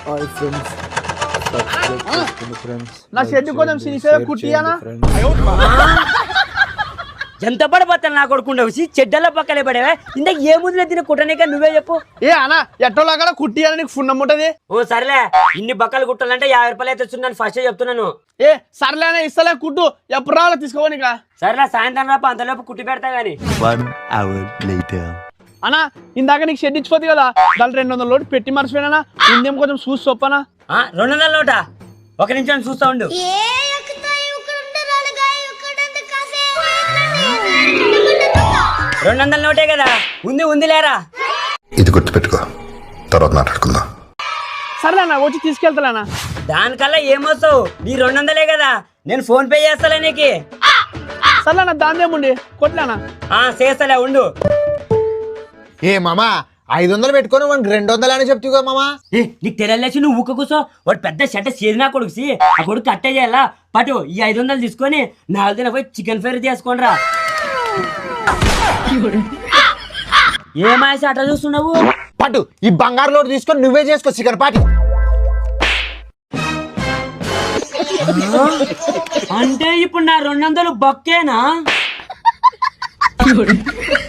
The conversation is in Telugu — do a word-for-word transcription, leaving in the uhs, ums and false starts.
హాయ్ ఫ్రెండ్స్, సబ్స్క్రైబ్ చేసుకోండి ఫ్రెండ్స్. నా షెడ్ కొంచెం సినిసేవ కుట్టియానా ఎంత పడిపోతాను నా కొడుకుండవు చెడ్డల పక్కలే పడేవా ఇందాక ఏ ముద్దులే తిన కుట్టనిక నువ్వే చెప్పు. ఏ అన్న ఎట్టోలాగా కుట్టియాలని నీకు ఫున్ ఉంటది. ఓ సరేలే, ఇన్ని బక్కలు కుట్టాలంటే యాభై రూపాయలు అయితే వచ్చిందని ఫస్ట్ చెప్తున్నాను. ఏ సర్లేనా ఇస్తలే కుట్టు, ఎప్పుడు రావాలో తీసుకోనిక. సరేలే, సాయంత్రం రాప అంతలోపు కుట్టి పెడతా గానీ. అన్నా ఇందాక నీకు షెడ్ ఇచ్చిపోతుంది కదా, దాని రెండు వందల లోటు పెట్టి మర్చిపోయినా, ఇందేం కొంచెం చూసి చొప్పనా. రెండు వందల నోట ఒక నిమిషం చూస్తా ఉండు. రెండు వందల నోటే కదా ఉంది, ఉంది లేరా. ఇది గుర్తుపెట్టుకో, తర్వాత మాట్లాడుకుందాం. సర్లేనా వచ్చి తీసుకెళ్తానా. దానికల్లా ఏమొస్తావు, నీ రెండు వందలే కదా, నేను ఫోన్ పే చేస్తాలే నీకు. సర్లేనా దాందేముండి కొట్లేనా. చేస్తలే ఉండు. ఏ మామా ఐదు వందలు పెట్టుకొని వాడికి రెండు వందలు అని చెప్తావు కదా మామా. ఏ నీకు తెలియలేసి నువ్వు ఊక కూర్చో. వాడు పెద్ద షెట్ట చేరినా కొడుకుసి ఆ కొడుకు కట్టే చేయాలా. పటు ఈ ఐదు వందలు తీసుకొని నాలుగు దిన పోయి చికెన్ ఫ్రై చేసుకోండి రా. ఏమాసి అట్లా చూస్తున్నావు. పట్టు ఈ బంగారు లోటు తీసుకొని నువ్వే చేసుకో చికెన్ పాటి. అంటే ఇప్పుడు నా రెండు వందలు బొక్కేనా.